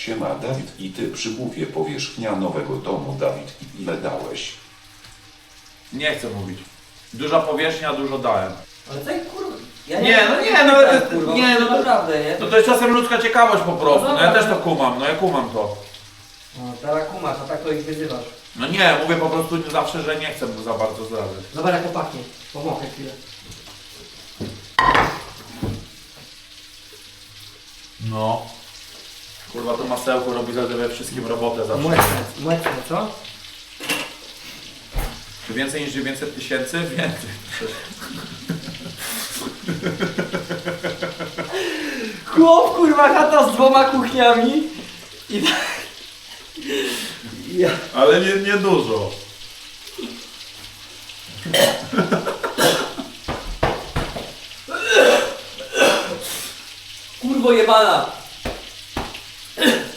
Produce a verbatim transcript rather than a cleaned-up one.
Siema Dawid i ty przy buwie powierzchnia nowego domu. Dawid, ile dałeś? Nie chcę mówić. Duża powierzchnia, dużo dałem. Ale tak kurwa. Ja Nie, no nie, no, tak, kurwa, nie, no to- naprawdę, nie? No to jest czasem ludzka ciekawość po prostu. No No ja dobra. też to kumam, no ja kumam to. No teraz kumasz, a tak to ich wyzywasz. No nie, mówię po prostu zawsze, że nie chcę za bardzo zdradzać. Zobacz jak to pachnie. Pomogę chwilę. No. Kurwa, to masełko robi we wszystkim robotę zawsze. Młeczne, młeczne, co? Czy więcej niż dziewięćset tysięcy? Więcej. Chłop, kurwa, chata z dwoma kuchniami. I tak... Ja... Ale nie, nie dużo. Kurwo jebana!